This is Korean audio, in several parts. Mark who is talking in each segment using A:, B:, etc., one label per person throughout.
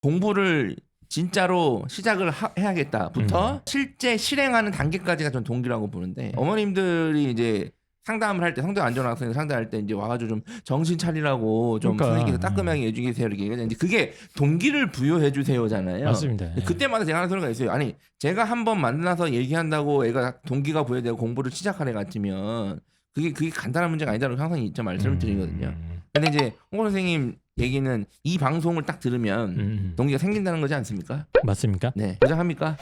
A: 공부를 진짜로 시작을 해야겠다부터 실제 실행하는 단계까지가 전 동기라고 보는데 어머님들이 이제 상담을 할 때 성적 안 좋은 학생들 상담할 때 이제 와가지고 좀 정신 차리라고 좀 선생님께서 따끔하게 해주세요 이렇게 얘기하는데 그게 동기를 부여해 주세요잖아요.
B: 맞습니다.
A: 그때마다 제가 하는 소리가 있어요. 아니 제가 한번 만나서 얘기한다고 애가 동기가 부여되고 공부를 시작한 애 같으면 그게 간단한 문제가 아니다라고 항상 이점 말씀을 드리거든요. 근데 이제 홍보 선생님 얘기는 이 방송을 딱 들으면 동기가 생긴다는 거지 않습니까?
B: 맞습니까?
A: 네. 보장합니까?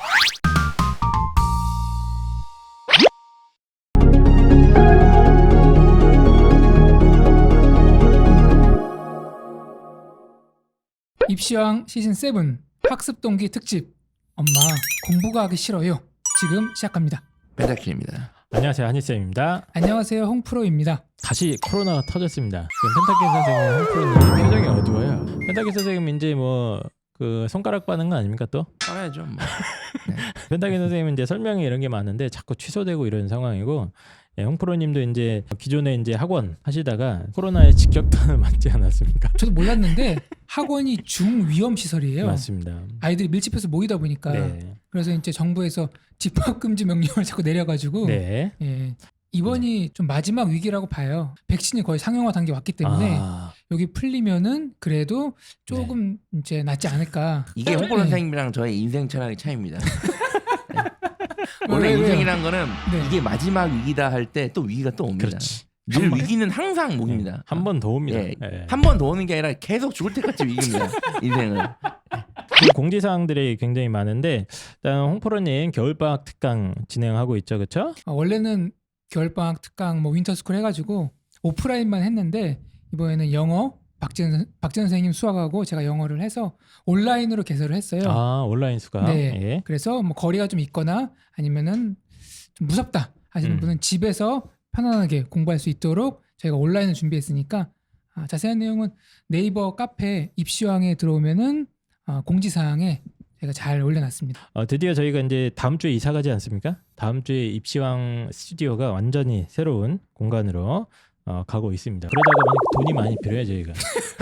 C: 입시왕 시즌 7 학습 동기 특집 엄마 공부가 하기 싫어요. 지금 시작합니다.
A: 펜타킬입니다.
B: 안녕하세요, 한희쌤입니다.
C: 안녕하세요, 홍프로입니다.
B: 다시 코로나가 터졌습니다. 지금 펜타킬 선생님, 홍프로님 표정이 어두워요. 펜타킬 선생님 이제 뭐 그 손가락 빠는 거 아닙니까 또?
A: 빨아야죠. 뭐. 네.
B: 펜타킬 선생님은 이제 설명이 이런 게 많은데 자꾸 취소되고 이런 상황이고, 예, 홍프로님도 이제 기존에 이제 학원 하시다가 코로나에 직격탄을 맞지 않았습니까?
C: 저도 몰랐는데 학원이 중위험 시설이에요.
B: 맞습니다.
C: 아이들이 밀집해서 모이다 보니까
B: 네.
C: 그래서 이제 정부에서 집합 금지 명령을 자꾸 내려가지고
B: 네.
C: 예, 이번이 좀 마지막 위기라고 봐요. 백신이 거의 상용화 단계 왔기 때문에 여기 풀리면은 그래도 조금 이제 낫지 않을까.
A: 이게 홍보 선생님이랑 저의 인생 철학의 차이입니다. 네. 원래
C: 왜요?
A: 인생이란 거는
C: 네.
A: 이게 마지막 위기다 할 때 또 위기가 또 옵니다.
B: 그렇지.
A: 늘 위기는 항상 옵니다.
B: 한 번 더 옵니다.
A: 예.
B: 예.
A: 한 번 더 오는 게 아니라 계속 죽을 때까지 위기입니다. 인생은.
B: 그 공지사항들이 굉장히 많은데 일단 홍프로님 겨울방학 특강 진행하고 있죠, 그렇죠?
C: 원래는 겨울방학 특강 뭐 윈터스쿨 해가지고 오프라인만 했는데 이번에는 영어 박지현 선생님 수학하고 제가 영어를 해서 온라인으로 개설을 했어요.
B: 아, 온라인 수강.
C: 네.
B: 예.
C: 그래서 뭐 거리가 좀 있거나 아니면은 좀 무섭다 하시는 분은 집에서 편안하게 공부할 수 있도록 저희가 온라인을 준비했으니까 자세한 내용은 네이버 카페 입시왕에 들어오면은 공지사항에 제가 잘 올려놨습니다.
B: 드디어 저희가 이제 다음 주에 이사 가지 않습니까? 다음 주에 입시왕 스튜디오가 완전히 새로운 공간으로 가고 있습니다. 그러다가 돈이 많이 필요해 저희가.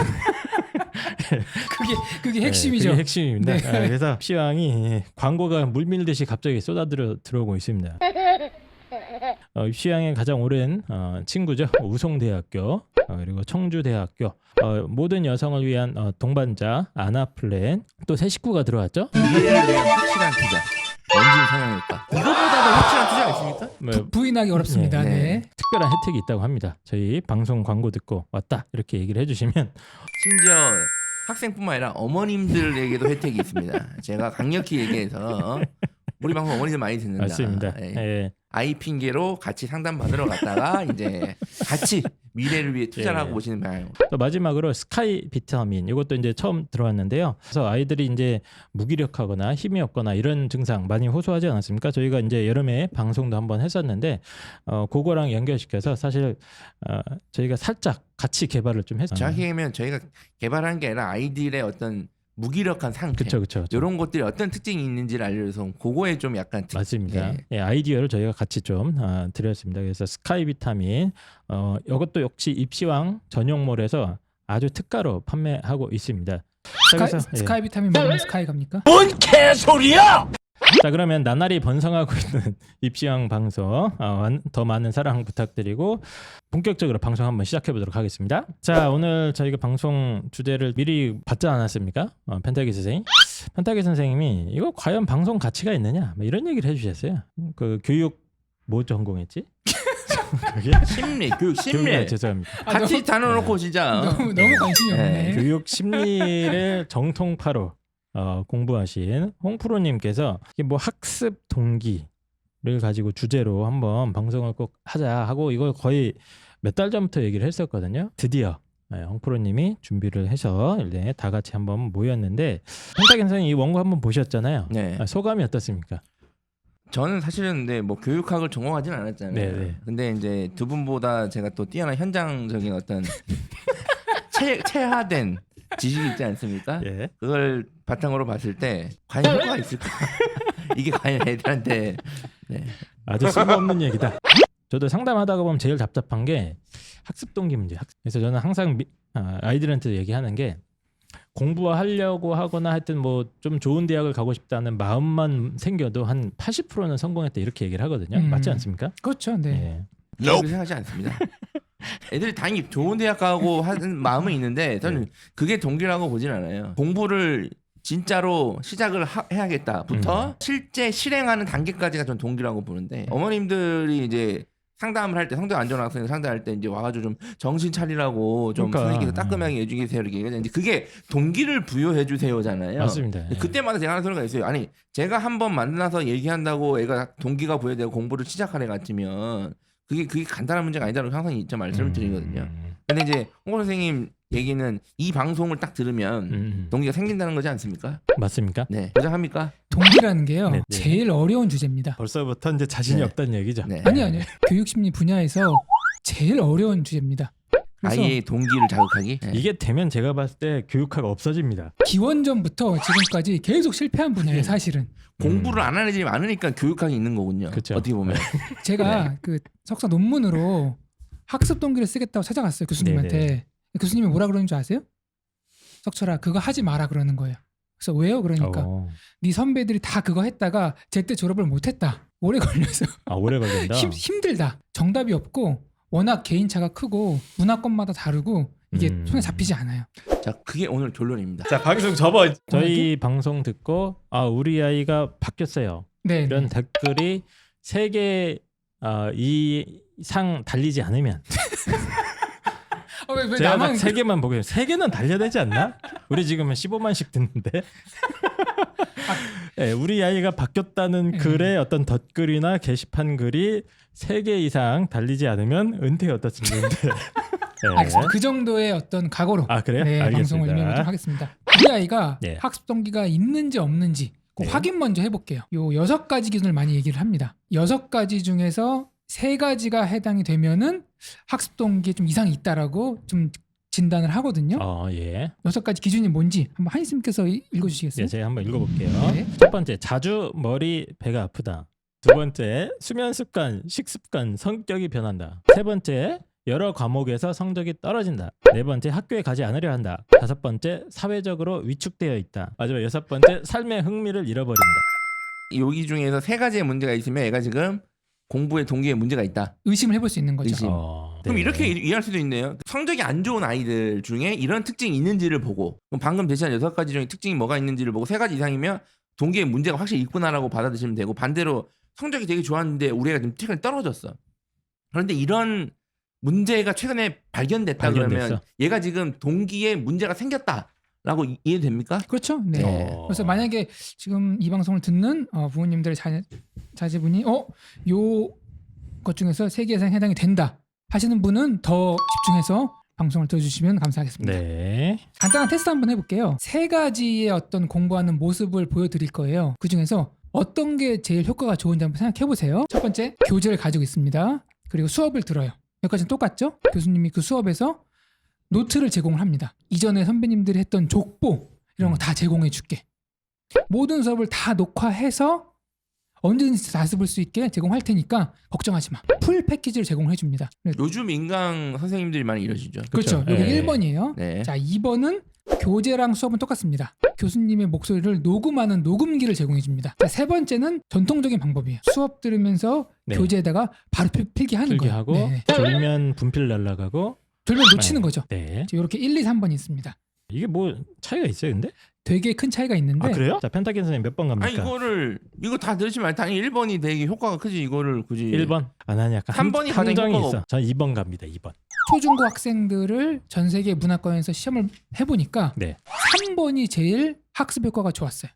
C: 그게 핵심이죠.
B: 그게 핵심입니다.
C: 네.
B: 그래서 입시왕이 광고가 물밀듯이 갑자기 들어오고 있습니다. 입시왕의 가장 오랜 친구죠. 우송대학교 그리고 청주대학교 모든 여성을 위한 동반자 아나플랜 또 새 식구가 들어왔죠.
A: 미래를 위한 확실한 투자. 원진 성형외과. 이거보다도 확실한 투자가 있습니까?
C: 부인하기 어렵습니다.
A: 네.
C: 네.
B: 특별한 혜택이 있다고 합니다. 저희 방송 광고 듣고 왔다 이렇게 얘기를 해주시면
A: 심지어 학생뿐만 아니라 어머님들에게도 혜택이 있습니다. 제가 강력히 얘기해서 우리 방송 어머니들 많이 듣는다.
B: 맞습니다.
A: 예.
B: 예.
A: 아이 핑계로 같이 상담 받으러 갔다가 이제 같이 미래를 위해 투자를 하고 오시는 방향.
B: 또 마지막으로 스카이 비타민 이것도 이제 처음 들어왔는데요. 그래서 아이들이 이제 무기력하거나 힘이 없거나 이런 증상 많이 호소하지 않았습니까? 저희가 이제 여름에 방송도 한번 했었는데 그거랑 연결시켜서 사실 저희가 살짝 같이 개발을 좀 했어요.
A: 정확히 얘기하면 저희가 개발한 게 아니라 아이들의 어떤 무기력한 상태,
B: 그렇죠.
A: 이런 것들이 어떤 특징이 있는지를 알려줘서 그거에 좀 약간
B: 맞습니다. 예, 아이디어를 저희가 같이 좀 드렸습니다. 그래서 스카이 비타민 이것도 역시 입시왕 전용몰에서 아주 특가로 판매하고 있습니다.
C: 스카이 비타민 먹으면 스카이 갑니까?
A: 뭔 개소리야!
B: 자, 그러면 나날이 번성하고 있는 입시왕 방송 더 많은 사랑 부탁드리고 본격적으로 방송 한번 시작해 보도록 하겠습니다. 자, 오늘 저희가 방송 주제를 미리 받지 않았습니까? 펜타기 선생님. 펜타기 선생님이 이거 과연 방송 가치가 있느냐? 뭐 이런 얘기를 해주셨어요. 그 교육 뭐 전공했지? 그게
A: 심리, 교육 심리.
B: 교육, 죄송합니다.
A: 같이 다뤄놓고 진짜.
C: 너무 관심이 없네.
B: 교육 심리를 정통파로 공부하신 홍프로님께서 뭐 학습 동기를 가지고 주제로 한번 방송을 꼭 하자 하고 이걸 거의 몇 달 전부터 얘기를 했었거든요. 드디어 홍프로님이 준비를 해서 다 같이 한번 모였는데 펜타기 선생님 이 원고 한번 보셨잖아요.
A: 네.
B: 소감이 어떻습니까?
A: 저는 사실은 뭐 교육학을 전공하지는 않았잖아요.
B: 네네.
A: 근데 이제 두 분보다 제가 또 뛰어난 현장적인 어떤 체화된 지식이 있지 않습니까?
B: 예.
A: 그걸 바탕으로 봤을 때 과연 효과가 있을까? 이게 과연 애들한테
B: 아주 쓸모없는 얘기다. 저도 상담하다가 보면 제일 답답한 게 학습 동기 문제. 그래서 저는 항상 아이들한테 얘기하는 게 공부하려고 하거나 하여튼 뭐 좀 좋은 대학을 가고 싶다는 마음만 생겨도 한 80%는 성공했다 이렇게 얘기를 하거든요. 맞지 않습니까?
C: 그렇죠. 네.
B: 예.
A: 그렇게 생각하지 않습니다. 애들이 당연히 좋은 대학 가고 하는 마음은 있는데 저는 그게 동기라고 보진 않아요. 공부를 진짜로 시작을 해야겠다부터 실제 실행하는 단계까지가 전 동기라고 보는데 어머님들이 이제 상담을 할 때 성적 안 좋은 학생 상담할 때 이제 와가지고 좀 정신 차리라고 좀
B: 그러니까.
A: 선생님께서 따끔하게 해주세요 이렇게 이제 그게 동기를 부여해 주세요잖아요.
B: 맞습니다. 예.
A: 그때마다 제가 하는 소리가 있어요. 아니 제가 한번 만나서 얘기한다고 애가 동기가 부여되고 공부를 시작하는 애 같으면 그게 간단한 문제가 아니다라고 항상 이제 말씀을 드리거든요. 근데 이제 홍보 선생님 얘기는 이 방송을 딱 들으면 동기가 생긴다는 거지 않습니까?
B: 맞습니까?
A: 네, 보장합니까?
C: 동기라는 게요.
B: 네, 네.
C: 제일 어려운 주제입니다.
B: 벌써부터 이제 자신이
A: 네.
B: 없다는 얘기죠.
A: 네.
C: 아니요. 교육심리 분야에서 제일 어려운 주제입니다. 그래서
A: 아이의 동기를 자극하기. 네.
B: 이게 되면 제가 봤을 때 교육화가 없어집니다.
C: 기원전부터 지금까지 계속 실패한 분야예요. 사실은.
A: 공부를 안 하는 애들이 많으니까 교육학이 있는 거군요.
B: 그쵸.
A: 어떻게 보면.
C: 제가 그 석사 논문으로 학습 동기를 쓰겠다고 찾아갔어요. 교수님한테.
B: 네네.
C: 교수님이 뭐라 그러는 줄 아세요? 석철아 그거 하지 마라 그러는 거예요. 그래서 왜요? 그러니까
B: 어.
C: 네 선배들이 다 그거 했다가 제때 졸업을 못했다. 오래 걸려서
B: 아 오래 걸린다.
C: 힘들다. 정답이 없고 워낙 개인차가 크고 문화권마다 다르고 이게 손에 잡히지 않아요.
A: 자, 그게 오늘 결론입니다.
B: 자 방송 접어. 저희 방송 듣고 아 우리 아이가 바뀌었어요.
C: 네.
B: 이런 댓글이 3개 이상 달리지 않으면
C: 왜
B: 제가
C: 나만
B: 3개만 보게 3개는 달려야 되지 않나? 우리 지금 15만씩 듣는데 네, 우리 아이가 바뀌었다는 글의 어떤 덧글이나 게시판 글이 3개 이상 달리지 않으면 은퇴 어떻습니까? 네.
C: 그 정도의 어떤 각오로
B: 아 그래요?
C: 네,
B: 알겠습니다.
C: 방송을 진행하도록 하겠습니다. 우리 아이가
B: 네.
C: 학습 동기가 있는지 없는지 그
B: 네.
C: 확인 먼저 해볼게요. 요 6가지 기준을 많이 얘기를 합니다. 6가지 중에서 3가지가 해당이 되면은 학습 동기에 좀 이상이 있다라고 좀 진단을 하거든요.
B: 예.
C: 6가지 기준이 뭔지 한번 한희쌤께서 읽어주시겠어요?
B: 네, 제가 한번 읽어볼게요.
C: 네.
B: 첫 번째, 자주 머리, 배가 아프다. 두 번째, 수면 습관, 식습관, 성격이 변한다. 세 번째, 여러 과목에서 성적이 떨어진다. 네 번째, 학교에 가지 않으려 한다. 다섯 번째, 사회적으로 위축되어 있다. 마지막 6번째, 삶의 흥미를 잃어버린다.
A: 여기 중에서 3가지의 문제가 있으면 애가 지금 공부에 동기에 문제가 있다.
C: 의심을 해볼 수 있는 거죠.
A: 의심. 그럼
B: 네.
A: 이렇게 이해할 수도 있네요. 성적이 안 좋은 아이들 중에 이런 특징이 있는지를 보고 그럼 방금 제시한 6가지 중에 특징이 뭐가 있는지를 보고 3가지 이상이면 동기에 문제가 확실히 있구나라고 받아들이시면 되고 반대로 성적이 되게 좋았는데 우리 애가 좀 최근에 떨어졌어. 그런데 이런 문제가 최근에 발견됐다 그러면
B: 발견됐어.
A: 얘가 지금 동기에 문제가 생겼다라고 이해됩니까?
C: 그렇죠. 네.
A: 네.
C: 그래서 만약에 지금 이 방송을 듣는 부모님들의 자제분이 요 것 중에서 3개 이상 해당이 된다 하시는 분은 더 집중해서 방송을 들어주시면 감사하겠습니다.
B: 네.
C: 간단한 테스트 한번 해볼게요. 3가지의 어떤 공부하는 모습을 보여드릴 거예요. 그 중에서 어떤 게 제일 효과가 좋은지 한번 생각해보세요. 첫 번째, 교재를 가지고 있습니다. 그리고 수업을 들어요. 여기까지는 똑같죠? 교수님이 그 수업에서 노트를 제공을 합니다. 이전에 선배님들이 했던 족보 이런 거 다 제공해 줄게. 모든 수업을 다 녹화해서 언제든지 다 써볼 수 있게 제공할 테니까 걱정하지 마. 풀 패키지를 제공해 줍니다.
A: 요즘 인강 선생님들이 많이 이러시죠.
C: 그렇죠. 여기
B: 네.
C: 1번이에요.
A: 네.
C: 자, 2번은 교재랑 수업은 똑같습니다. 교수님의 목소리를 녹음하는 녹음기를 제공해 줍니다. 자, 3번째는 전통적인 방법이에요. 수업 들으면서
B: 네.
C: 교재에다가 바로 필기하는 거예요.
B: 필기하고
C: 네.
B: 졸면 분필 날라가고
C: 졸면 놓치는
B: 네.
C: 거죠.
B: 네.
C: 이렇게 1, 2, 3번이 있습니다.
B: 이게 뭐 차이가 있어요, 근데?
C: 되게 큰 차이가 있는데
B: 아 그래요? 자, 펜타킨 선생님 몇 번 갑니까?
A: 아니 이거 다 들으시면 당연히 1번이 되게 효과가 크지 이거를 굳이
B: 1번. 아, 난 약간
A: 3번이 가장
B: 함정이
A: 효과가
B: 있어. 전 2번 갑니다. 2번.
C: 초중고 학생들을 전 세계 문화권에서 시험을 해보니까
B: 네.
C: 3번이 제일 학습 효과가 좋았어요.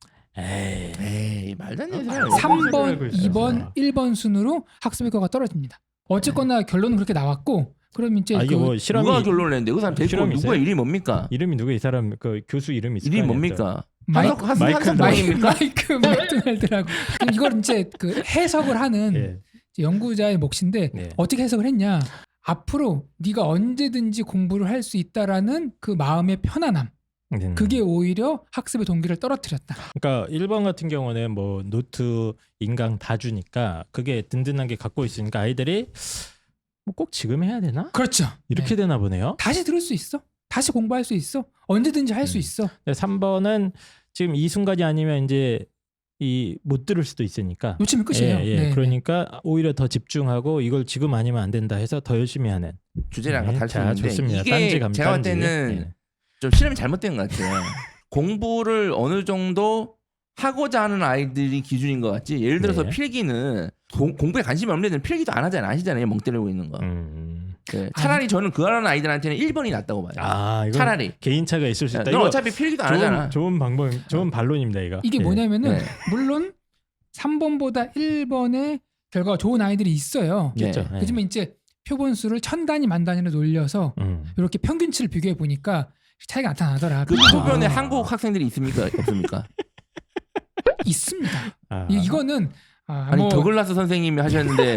A: 에이 말도 안 되는 소리야.
C: 3번, 2번, 1번 순으로 학습 효과가 떨어집니다. 어쨌거나 결론은 그렇게 나왔고 그럼 이제
B: 아 이게 뭐 실험이
A: 누가 결론을 냈는데 그 사람 데리고
B: 실험이
A: 누구야
B: 있어요?
A: 이름이 뭡니까?
B: 이름이 누구 이 사람 그 교수 이름이 있을
A: 이름이
B: 거 아니에요,
A: 뭡니까?
C: 마이크
A: 한석 방입니까?
C: 마이크 맥도날드라고 이걸 이제 그 해석을 하는
B: 또. 예.
C: 이제 연구자의 몫인데
B: 네.
C: 어떻게 해석을 했냐? 앞으로 네가 언제든지 공부를 할 수 있다라는 그 마음의 편안함. 그게 오히려 학습의 동기를 떨어뜨렸다.
B: 그러니까 1번 같은 경우는 뭐 노트, 인강 다 주니까 그게 든든한 게 갖고 있으니까 아이들이 뭐 꼭 지금 해야 되나?
C: 그렇죠.
B: 이렇게
C: 네.
B: 되나 보네요.
C: 다시 들을 수 있어. 다시 공부할 수 있어. 언제든지 할 수 있어.
B: 3번은 지금 이 순간이 아니면 이제 못 들을 수도 있으니까.
C: 놓치면 끝이에요.
B: 예, 예.
C: 네.
B: 그러니까 오히려 더 집중하고 이걸 지금 아니면 안 된다 해서 더 열심히 하는.
A: 주제랑 다를 수
B: 자,
A: 있는데
B: 좋습니다.
A: 이게
B: 딴지 감,
A: 제가 볼
B: 딴지.
A: 때는
B: 예.
A: 좀 실험이 잘못된 것 같아요. 공부를 어느 정도 하고자 하는 아이들이 기준인 것 같지. 예를 들어서
B: 네.
A: 필기는 공부에 관심이 없는 애들은 필기도 안 하잖아요. 아시잖아요. 멍 때리고 있는 거. 네. 차라리 저는 그런 아이들한테는 1번이 낫다고 봐요.
B: 이건
A: 차라리.
B: 개인차가 있을 수 있다.
A: 넌
B: 이거
A: 어차피 필기도 안 하잖아.
B: 좋은 방법, 좋은 반론입니다, 이거.
C: 이게
B: 예.
C: 뭐냐면은
A: 네.
C: 물론 3번보다 1번의 결과가 좋은 아이들이 있어요.
A: 네.
B: 그렇죠. 예.
C: 하지만 이제 표본수를 1000단위 만 단위로 놀려서 이렇게 평균치를 비교해 보니까 차이가 나타나더라.
A: 그 표변에 한국 학생들이 있습니까? 없습니까?
C: 있습니다.
B: 아.
C: 이거는
A: 아니 더글라스 선생님이 하셨는데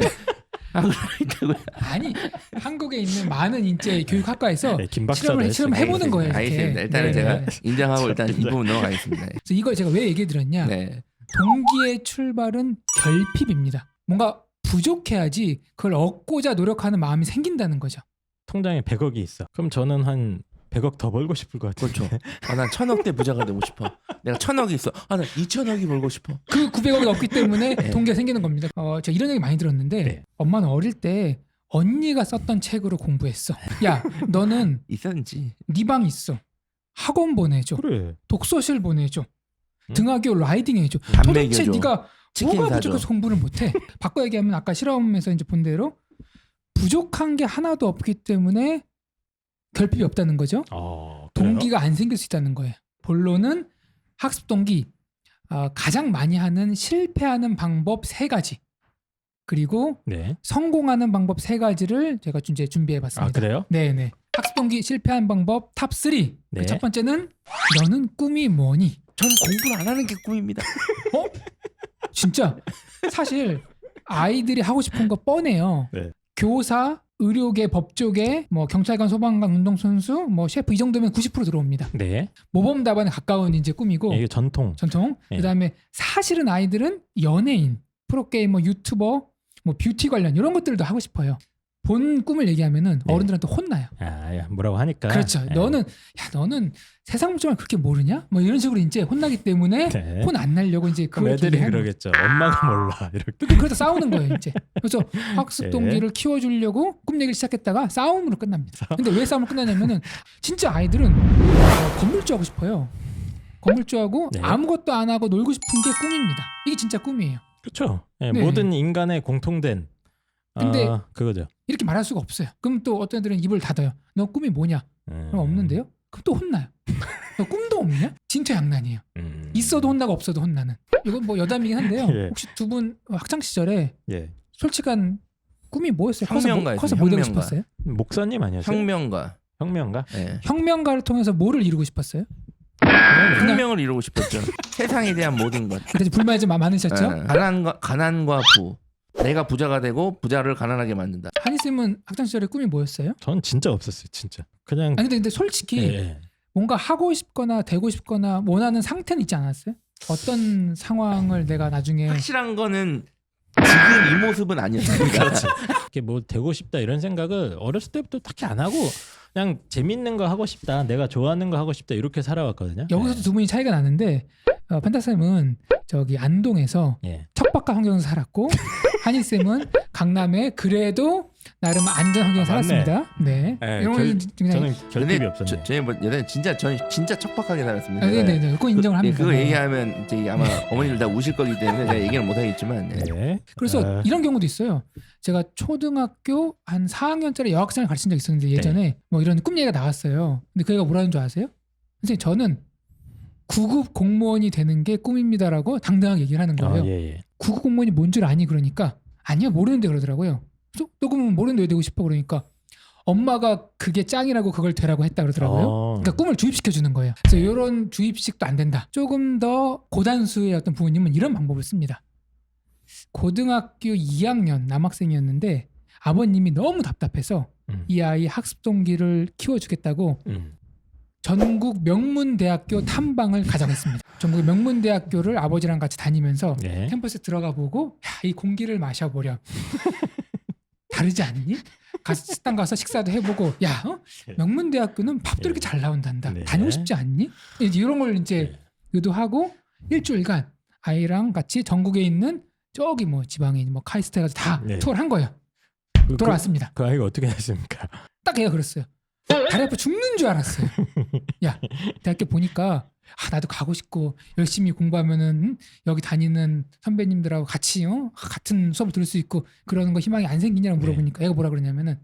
C: 아니 한국에 있는 많은 이제 교육학과에서
B: 네, 김 박사도
C: 실험을 해보는 거예요. 이렇게.
A: 알겠습니다. 일단은
C: 네.
A: 제가 인정하고 일단 이 부분 넘어가겠습니다.
C: 그래서 이걸 제가 왜 얘기해 드렸냐?
A: 네.
C: 동기의 출발은 결핍입니다. 뭔가 부족해야지 그걸 얻고자 노력하는 마음이 생긴다는 거죠.
B: 통장에 100억이 있어. 그럼 저는 한 100억 더 벌고 싶을 것 같은데.
A: 그렇죠. 난 1000억대 부자가 되고 싶어. 내가 1000억이 있어. 난 2000억이 벌고 싶어.
C: 그 900억이 없기 때문에 동기가 생기는 겁니다. 제가 이런 얘기 많이 들었는데
B: 네.
C: 엄마는 어릴 때 언니가 썼던 책으로 공부했어. 야, 너는
A: 있었는지.
C: 네 방 있어. 학원 보내줘.
B: 그래.
C: 독서실 보내줘. 등하교 라이딩 해줘.
A: 밥
C: 도대체
A: 먹여줘.
C: 네가
A: 치킨
C: 뭐가
A: 사줘.
C: 부족해서 공부를 못해? 바꿔 얘기하면 아까 실험에서 이제 본 대로 부족한 게 하나도 없기 때문에 결핍이 없다는 거죠.
B: 그래요?
C: 동기가 안 생길 수 있다는 거예요. 본론은 학습 동기 가장 많이 하는 실패하는 방법 3가지 그리고
B: 네.
C: 성공하는 방법 3가지를 제가 이제 준비해봤습니다.
B: 그래요?
C: 네네. 학습 동기 실패하는 방법 탑 3.
B: 네.
C: 첫 번째는 너는 꿈이 뭐니?
A: 저는 공부를 안 하는 게 꿈입니다.
C: 진짜 사실 아이들이 하고 싶은 거 뻔해요.
B: 네.
C: 교사, 의료계, 법조계, 뭐 경찰관, 소방관, 운동선수, 뭐 셰프 이 정도면 90% 들어옵니다.
B: 네.
C: 모범 답안에 가까운 이제 꿈이고
B: 이게 전통.
C: 네. 그다음에 사실은 아이들은 연예인, 프로게이머, 유튜버, 뭐 뷰티 관련 이런 것들도 하고 싶어요. 본 꿈을 얘기하면은
B: 네.
C: 어른들한테 혼나요.
B: 뭐라고 하니까.
C: 그렇죠.
B: 네.
C: 너는 세상 물정을 그렇게 모르냐? 뭐 이런 식으로 이제 혼나기 때문에
B: 네.
C: 혼 안 날려고 이제
B: 그럼
C: 그걸
B: 애들이
C: 얘기하는
B: 그러겠죠. 엄마가 몰라. 이렇게.
C: 그래서 싸우는 거예요 이제. 그래서 학습
B: 네.
C: 동기를 키워주려고 꿈 얘기를 시작했다가 싸움으로 끝납니다. 근데 왜 싸움으로 끝나냐면은 진짜 아이들은 건물주 하고 싶어요. 건물주하고
B: 네.
C: 아무것도 안 하고 놀고 싶은 게 꿈입니다. 이게 진짜 꿈이에요.
B: 그렇죠. 네,
C: 네.
B: 모든 인간의 공통된.
C: 근데
B: 그거죠.
C: 이렇게 말할 수가 없어요. 그럼 또 어떤 애들은 입을 닫아요. 너 꿈이 뭐냐? 그럼 없는데요? 그럼 또 혼나요. 너 꿈도 없냐? 진퇴양난이에요. 있어도 혼나고 없어도 혼나는. 이건 뭐 여담이긴 한데요.
B: 예.
C: 혹시 두 분 학창 시절에
B: 예.
C: 솔직한 꿈이 뭐였어요?
A: 혁명가였어요,
C: 커서 뭐 되고
A: 혁명가.
C: 싶었어요?
B: 목사님 아니었어요?
A: 혁명가.
B: 혁명가?
A: 네.
C: 혁명가를 통해서 뭐를 이루고 싶었어요?
A: 혁명을 이루고 싶었죠. 세상에 대한 모든 것.
C: 그래서 불만이 좀 많으셨죠?
A: 네. 가난과 부. 내가 부자가 되고 부자를 가난하게 만든다.
C: 한희 쌤은 학창 시절에 꿈이 뭐였어요?
B: 전 진짜 없었어요. 진짜. 그냥.
C: 아니 근데 솔직히
B: 예.
C: 뭔가 하고 싶거나 되고 싶거나 원하는 상태는 있지 않았어요? 어떤 상황을 내가 나중에
A: 확실한 거는 지금 이 모습은 아니었습니다.
B: 이렇게 뭐 되고 싶다 이런 생각을 어렸을 때부터 딱히 안 하고 그냥 재밌는 거 하고 싶다. 내가 좋아하는 거 하고 싶다. 이렇게 살아왔거든요.
C: 여기서도 두 분이 차이가 나는데 펜타 쌤은 저기 안동에서
B: 예.
C: 척박한 환경에서 살았고 한희 쌤은 강남에 그래도 나름 안전 환경에
B: 맞네.
C: 살았습니다. 네.
B: 예,
C: 이런 건 그냥
B: 저는 결핍이 없었네.
A: 저희 뭐 여자는 저는 진짜 척박하게 살았습니다.
C: 네네네. 그건 인정을 합니다.
A: 그거
C: 네.
A: 얘기하면 이제 아마 어머니들 다 우실 거기 때문에 제가 얘기는 못 하겠지만. 네.
B: 네.
C: 그래서 이런 경우도 있어요. 제가 초등학교 한 4학년짜리 여학생을 가르친 적 있었는데 예전에 뭐 이런 꿈 얘기가 나왔어요. 근데 그 애가 뭐라는 줄 아세요? 선생님 저는 9급 공무원이 되는 게 꿈입니다라고 당당하게 얘기를 하는 거예요.
B: 예.
C: 9급 공무원이 뭔 줄 아니 그러니까 아니야 모르는데 그러더라고요. 그래서 너 그러면 모르는데 왜 되고 싶어 그러니까 엄마가 그게 짱이라고 그걸 되라고 했다 그러더라고요. 그러니까 꿈을 주입시켜 주는 거예요. 그래서 이런 주입식도 안 된다. 조금 더 고단수의 어떤 부모님은 이런 방법을 씁니다. 고등학교 2학년 남학생이었는데 아버님이 너무 답답해서 이 아이 학습 동기를 키워주겠다고 전국 명문대학교 탐방을 가정했습니다. 전국 명문대학교를 아버지랑 같이 다니면서 캠퍼스에 들어가 보고 야, 이 공기를 마셔보렴. 다르지 않니? 식당 가서 식사도 해보고 야 명문대학교는 밥도 이렇게 잘 나온단다.
B: 네.
C: 다니고 싶지 않니? 이런 걸 이제 의도하고 일주일간 아이랑 같이 전국에 있는 저기 뭐 지방에 뭐 카이스트 해가지고 다
B: 네.
C: 투어를 한 거예요.
B: 그,
C: 돌아왔습니다.
B: 그 아이가 어떻게 됐습니까?
C: 딱 얘가 그랬어요. 다리 아파 죽는 줄 알았어요. 야 대학교 보니까 나도 가고 싶고 열심히 공부하면은 여기 다니는 선배님들하고 같이 같은 수업을 들을 수 있고 그러는 거 희망이 안 생기냐고 물어보니까 얘가 뭐라 그러냐면은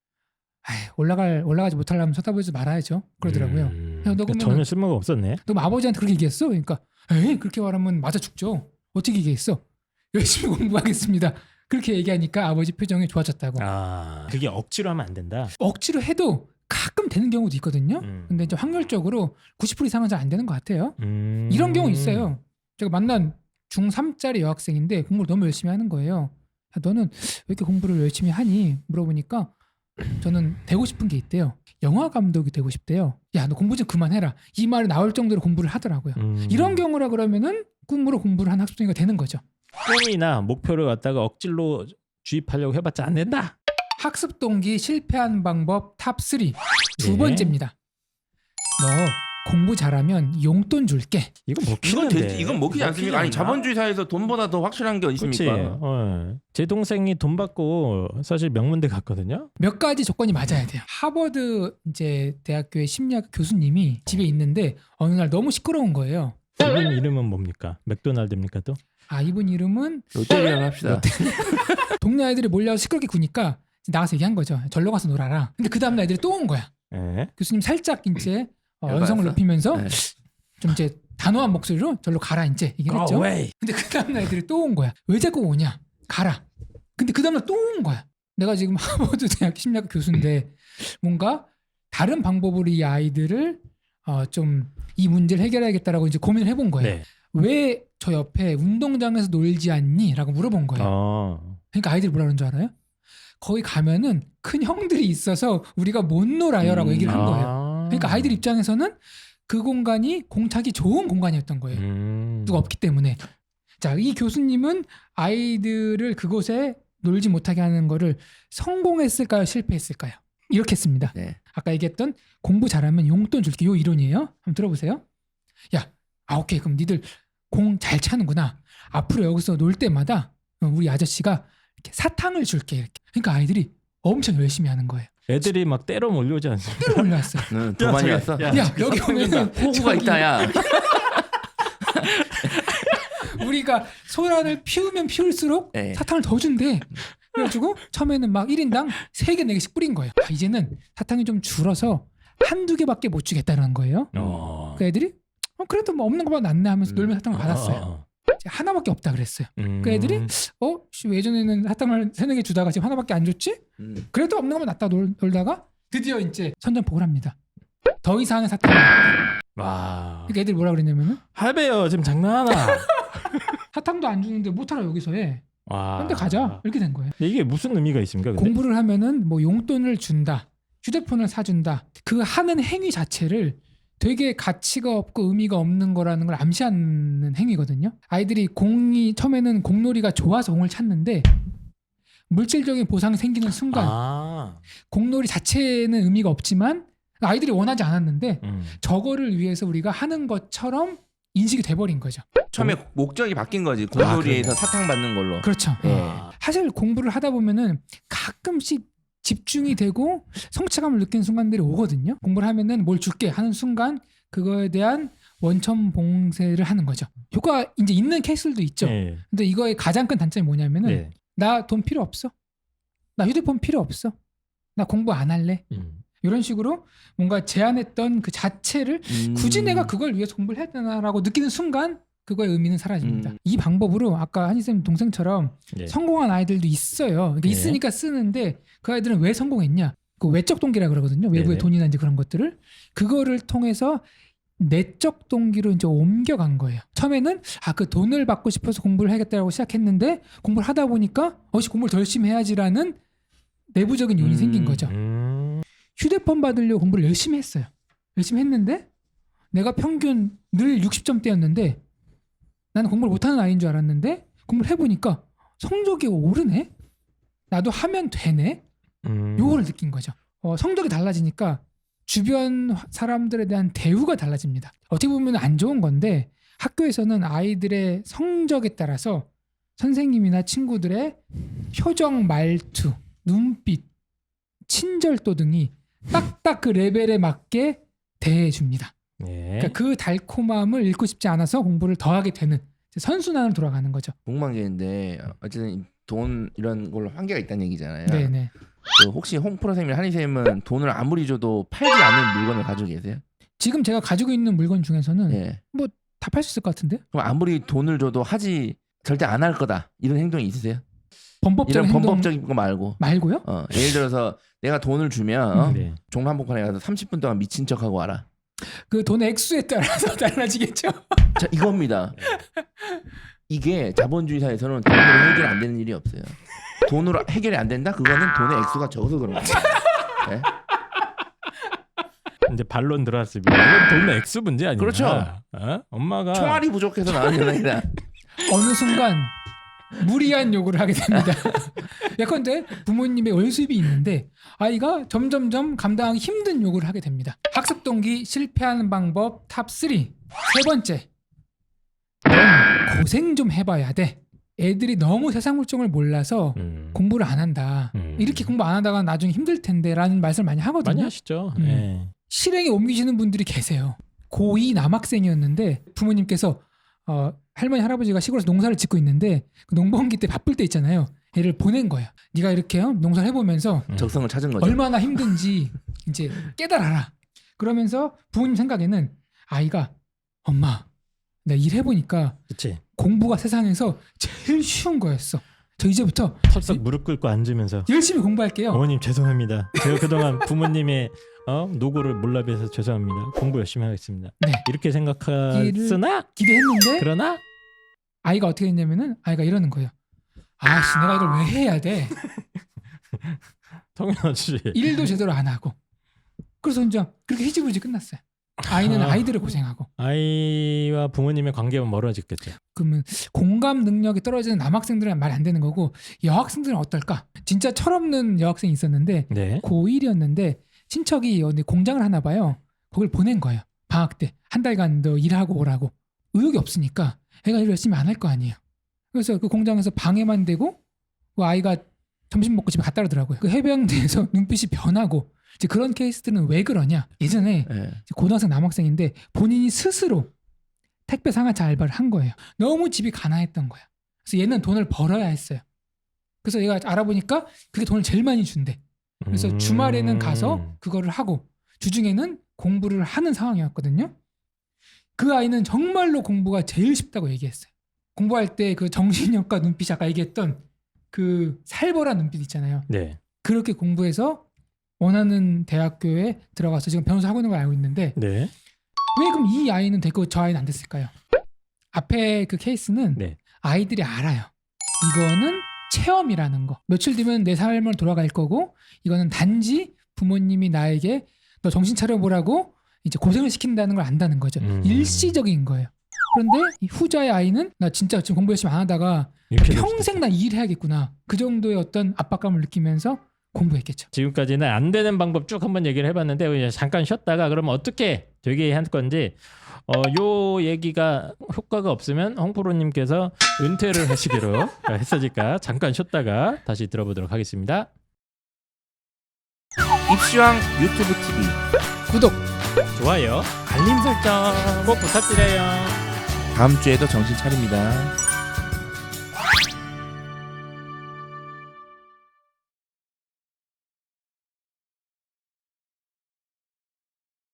C: 올라가지 못하려면 쳐다보지 말아야죠. 그러더라고요. 야, 너
B: 그러니까
C: 그러면은
B: 전혀 쓸모가 없었네.
C: 너 아버지한테 그렇게 얘기했어? 그러니까 에이 그렇게 말하면 맞아 죽죠. 어떻게 얘기했어? 열심히 공부하겠습니다. 그렇게 얘기하니까 아버지 표정이 좋아졌다고.
B: 그게 억지로 하면 안 된다.
C: 억지로 해도 가끔 되는 경우도 있거든요. 근데 이제 확률적으로 90% 이상은 잘 안 되는 것 같아요. 이런 경우 있어요. 제가 만난 중3짜리 여학생인데 공부를 너무 열심히 하는 거예요. 야, 너는 왜 이렇게 공부를 열심히 하니? 물어보니까 저는 되고 싶은 게 있대요. 영화 감독이 되고 싶대요. 야, 너 공부 좀 그만해라. 이 말이 나올 정도로 공부를 하더라고요. 이런 경우라 그러면은 꿈으로 공부를 한 학습생이가 되는 거죠.
B: 꿈이나 목표를 갖다가 억지로 주입하려고 해봤자 안 된다.
C: 학습 동기 실패한 방법 탑3 두
B: 네.
C: 번째입니다. 너 공부 잘하면 용돈 줄게.
B: 이건
A: 이건
B: 먹히는데.
A: 이건 먹히지 않습니까? 아니 자본주의 사회에서 돈보다 더 확실한 게
B: 그렇지.
A: 있습니까?
B: 제 동생이 돈 받고 사실 명문대 갔거든요.
C: 몇 가지 조건이 맞아야 돼요. 하버드 이제 대학교의 심리학 교수님이 집에 있는데 어느 날 너무 시끄러운 거예요.
B: 이분 이름은 뭡니까? 맥도날드입니까 또?
C: 이분 이름은
A: 롯데리아를 합시다.
C: 동네 아이들이 몰려서 시끄럽게 구니까 나가서 얘기한 거죠. 절로 가서 놀아라. 근데 그 다음날 애들이 또 온 거야.
B: 예.
C: 교수님 살짝 이제
A: 열받았어?
C: 언성을 높이면서
A: 네.
C: 좀 이제 단호한 목소리로 절로 가라 이제 얘기를 했죠.
B: away.
C: 근데 그 다음날 애들이 또 온 거야. 왜 자꾸 오냐? 가라. 근데 그 다음날 또 온 거야. 내가 지금 하버드 대학 심리학 교수인데 뭔가 다른 방법으로 이 아이들을 좀 이 문제를 해결해야겠다라고 이제 고민을 해본 거예요.
B: 네.
C: 왜 저 옆에 운동장에서 놀지 않니? 라고 물어본 거예요. 그러니까 아이들이 뭐라 그러는 줄 알아요? 거기 가면은 큰 형들이 있어서 우리가 못 놀아요 라고 얘기를 한 거예요. 그러니까 아이들 입장에서는 그 공간이 공차기 좋은 공간이었던 거예요. 누가 없기 때문에. 자, 이 교수님은 아이들을 그곳에 놀지 못하게 하는 거를 성공했을까요? 실패했을까요? 이렇게 했습니다.
A: 네.
C: 아까 얘기했던 공부 잘하면 용돈 줄게 요 이론이에요. 한번 들어보세요. 야, 오케이. 그럼 니들 공 잘 차는구나. 앞으로 여기서 놀 때마다 우리 아저씨가 이렇게 사탕을 줄게. 이렇게. 그러니까 아이들이 엄청 열심히 하는 거예요.
B: 애들이 막 때려 몰려오지 않습니까?
C: 때려 올라왔어요.
A: 더 많이 왔어.
C: 야, 여기 오면은
A: 호구가 있다 야.
C: 우리가 소란을 피우면 피울수록
A: 네.
C: 사탕을 더 준대. 그래가지고 처음에는 막 1인당 3개, 4개씩 뿌린 거예요. 이제는 사탕이 좀 줄어서 한두 개밖에 못 주겠다는 거예요. 그 애들이 그래도 뭐 없는 것보다 낫네 하면서 놀면 사탕을 받았어요. 이제 하나밖에 없다 그랬어요. 그 애들이 왜 예전에는 사탕을 3-4개 주다가 지금 하나밖에 안 줬지? 그래도 없는 것만 낫다 놀다가 드디어 이제 선전포고를 합니다. 더 이상의 사탕을 없다.
B: 와.
C: 그러니까 애들이 뭐라 그랬냐면은
B: 할배요 지금 장난하나?
C: 사탕도 안 주는데 못하라 여기서 해.
B: 와.
C: 근데 가자. 이렇게 된 거예요.
B: 근데 이게 무슨 의미가 있습니까? 근데?
C: 공부를 하면은 뭐 용돈을 준다, 휴대폰을 사준다. 그 하는 행위 자체를 되게 가치가 없고 의미가 없는 거라는 걸 암시하는 행위거든요. 아이들이 공이 처음에는 공놀이가 좋아서 공을 찾는데 물질적인 보상이 생기는 순간 공놀이 자체는 의미가 없지만 아이들이 원하지 않았는데 저거를 위해서 우리가 하는 것처럼 인식이 돼버린 거죠.
A: 처음에 목적이 바뀐 거지. 공놀이에서 사탕 받는 걸로.
C: 그렇죠.
A: 네.
C: 사실 공부를 하다 보면은 가끔씩 집중이 되고 성취감을 느끼는 순간들이 오거든요. 공부를 하면은 뭘 줄게 하는 순간 그거에 대한 원천 봉쇄를 하는 거죠. 효과 이제 있는 케이스들도 있죠.
B: 네.
C: 근데 이거의 가장 큰 단점이 뭐냐면은
B: 네.
C: 나 돈 필요 없어. 나 휴대폰 필요 없어. 나 공부 안 할래. 이런 식으로 뭔가 제안했던 그 자체를 굳이 내가 그걸 위해서 공부를 해야 되나라고 느끼는 순간 그거의 의미는 사라집니다. 이 방법으로 아까 한희쌤 동생처럼
B: 네.
C: 성공한 아이들도 있어요. 그러니까
B: 네.
C: 있으니까 쓰는데 그 아이들은 왜 성공했냐? 그 외적 동기라 그러거든요. 외부의
B: 네네.
C: 돈이나 이제 그런 것들을 그거를 통해서 내적 동기로 이제 옮겨간 거예요. 처음에는 그 돈을 받고 싶어서 공부를 하겠다고 시작했는데 공부를 하다 보니까 공부를 더 열심히 해야지라는 내부적인 요인이 생긴 거죠. 휴대폰 받으려고 공부를 열심히 했어요. 열심히 했는데 내가 평균 늘 60점대였는데 나는 공부를 못하는 아이인 줄 알았는데 공부를 해보니까 성적이 오르네? 나도 하면 되네? 요거를 느낀 거죠. 성적이 달라지니까 주변 사람들에 대한 대우가 달라집니다. 어떻게 보면 안 좋은 건데 학교에서는 아이들의 성적에 따라서 선생님이나 친구들의 표정, 말투, 눈빛, 친절도 등이 딱딱 그 레벨에 맞게 대해줍니다.
B: 네.
C: 그러니까 그 달콤함을 잃고 싶지 않아서 공부를 더 하게 되는 선순환으로 돌아가는 거죠.
A: 궁금한 게 있는데 어쨌든 돈 이런 걸로 한계가 있다는 얘기잖아요.
C: 네네.
A: 그 혹시 홍프로 쌤이나 한희 쌤은 돈을 아무리 줘도 팔지 않는 물건을 가지고 계세요?
C: 지금 제가 가지고 있는 물건 중에서는
A: 네.
C: 다 팔 수 있을 것 같은데?
A: 그럼 아무리 돈을 줘도 절대 안 할 거다 이런 행동이 있으세요?
C: 범법적인
A: 이런
C: 행동
A: 범법적인 거 말고.
C: 말고요?
A: 예를 들어서 내가 돈을 주면
B: 네.
A: 종로 한복판에 가서 30분 동안 미친 척하고 와라.
C: 그 돈의 액수에 따라서 달라지겠죠.
A: 자, 이겁니다. 이게 자본주의 사회에서는 돈으로 해결이 안 되는 일이 없어요. 돈으로 해결이 안 된다? 그거는 돈의 액수가 적어서 그런 거예요. 네?
B: 이제 반론 들어왔습니다. 이건 돈의 액수 문제 아니야?
A: 그렇죠.
B: 엄마가
A: 총알이 부족해서 나온 게 아니라
C: 어느 순간 무리한 요구를 하게 됩니다. 예컨대 부모님의 월 수입이 있는데 아이가 점점점 감당하기 힘든 요구를 하게 됩니다. 학습 동기 실패하는 방법 탑3. 세 번째, 넌 고생 좀 해봐야 돼. 애들이 너무 세상 물정을 몰라서 공부를 안 한다. 이렇게 공부 안 하다가 나중에 힘들 텐데 라는 말씀을 많이 하거든요.
B: 많이 하시죠.
C: 음.
B: 네.
C: 실행에 옮기시는 분들이 계세요. 고2 남학생이었는데 부모님께서 할머니 할아버지가 시골에서 농사를 짓고 있는데 그 농번기 때 바쁠 때 있잖아요. 애를 보낸 거예요. 네가 이렇게 농사를 해보면서
A: 적성을 찾은 거죠.
C: 얼마나 힘든지 이제 깨달아라. 그러면서 부모님 생각에는 아이가 엄마 내가 일해보니까
B: 그렇지.
C: 공부가 세상에서 제일 쉬운 거였어. 저 이제부터
B: 털썩 무릎 꿇고 앉으면서
C: 열심히 공부할게요.
B: 어머님 죄송합니다. 제가 그동안 부모님의 노고를 몰라뵈서 죄송합니다. 공부 열심히 하겠습니다.
C: 네.
B: 이렇게 생각했으나
C: 기대했는데
B: 그러나
C: 아이가 어떻게 했냐면은 아이가 이러는 거예요. 아씨 내가 이걸 왜 해야 돼?
B: 당연하지.
C: 일도 제대로 안 하고. 그래서 이제 그렇게 희지부지 끝났어요. 아이는 아이들을 고생하고.
B: 아이와 부모님의 관계가 멀어졌겠죠.
C: 그러면 공감 능력이 떨어지는 남학생들은 말이 안 되는 거고 여학생들은 어떨까? 진짜 철없는 여학생이 있었는데
B: 네.
C: 고1이었는데 친척이 어디 공장을 하나 봐요. 거길 보낸 거예요. 방학 때 한 달간 너 일하고 오라고. 의욕이 없으니까 애가 일 열심히 안 할 거 아니에요. 그래서 그 공장에서 방해만 되고 그 아이가 점심 먹고 집에 갔다 오더라고요. 그 해병대에서 눈빛이 변하고 이제 그런 케이스들은 왜 그러냐? 예전에
A: 네.
C: 고등학생 남학생인데 본인이 스스로 택배 상하차 알바를 한 거예요. 너무 집이 가난했던 거야. 그래서 얘는 돈을 벌어야 했어요. 그래서 얘가 알아보니까 그게 돈을 제일 많이 준대. 그래서 주말에는 가서 그거를 하고 주중에는 공부를 하는 상황이었거든요. 그 아이는 정말로 공부가 제일 쉽다고 얘기했어요. 공부할 때 그 정신력과 눈빛이 아까 얘기했던 그 살벌한 눈빛 있잖아요.
B: 네.
C: 그렇게 공부해서 원하는 대학교에 들어가서 지금 변호사 하고 있는 걸 알고 있는데
B: 네.
C: 왜 그럼 이 아이는 됐고 저 아이는 안 됐을까요? 앞에 그 케이스는
B: 네.
C: 아이들이 알아요. 이거는 체험이라는 거. 며칠 뒤면 내 삶을 돌아갈 거고 이거는 단지 부모님이 나에게 너 정신 차려보라고 이제 고생을 시킨다는 걸 안다는 거죠. 일시적인 거예요. 그런데 이 후자의 아이는 나 진짜 지금 공부 열심히 안 하다가 평생 나 일해야겠구나. 그 정도의 어떤 압박감을 느끼면서 공부했겠죠.
B: 지금까지는 안 되는 방법 쭉 한번 얘기를 해봤는데 이제 잠깐 쉬었다가 그러면 어떻게 되게 할 건지 요 얘기가 효과가 없으면 홍프로님께서 은퇴를 하시기로 했으니까 잠깐 쉬었다가 다시 들어보도록 하겠습니다.
A: 입시왕 유튜브 TV
C: 구독!
B: 좋아요, 알림 설정 꼭 부탁드려요.
A: 다음 주에도 정신 차립니다.